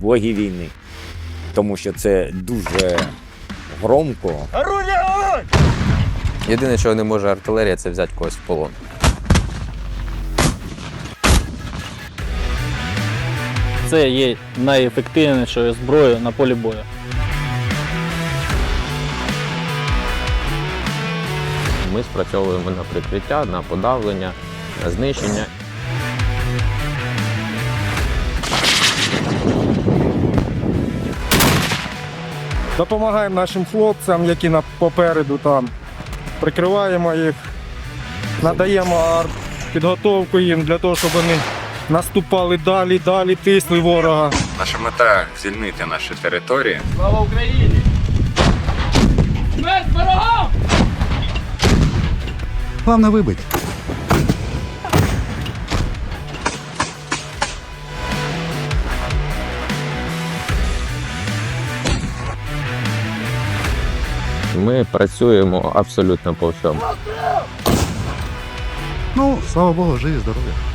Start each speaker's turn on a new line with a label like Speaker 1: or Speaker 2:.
Speaker 1: боги війни. Тому що це дуже громко.
Speaker 2: Єдине, що не може артилерія, це взяти когось в полон.
Speaker 3: Це є найефективнішою зброєю на полі бою.
Speaker 2: Ми спрацьовуємо на прикриття, на подавлення, на знищення.
Speaker 4: Допомагаємо нашим хлопцям, які попереду там. Прикриваємо їх, надаємо підготовку їм для того, щоб вони наступали далі, тисли ворога.
Speaker 5: Наша мета – звільнити наші території.
Speaker 3: Слава Україні! Смерть ворогам!
Speaker 6: Главное выбыть.
Speaker 2: Ми працюємо абсолютно по всьому.
Speaker 6: Ну, слава богу, живі, здорові.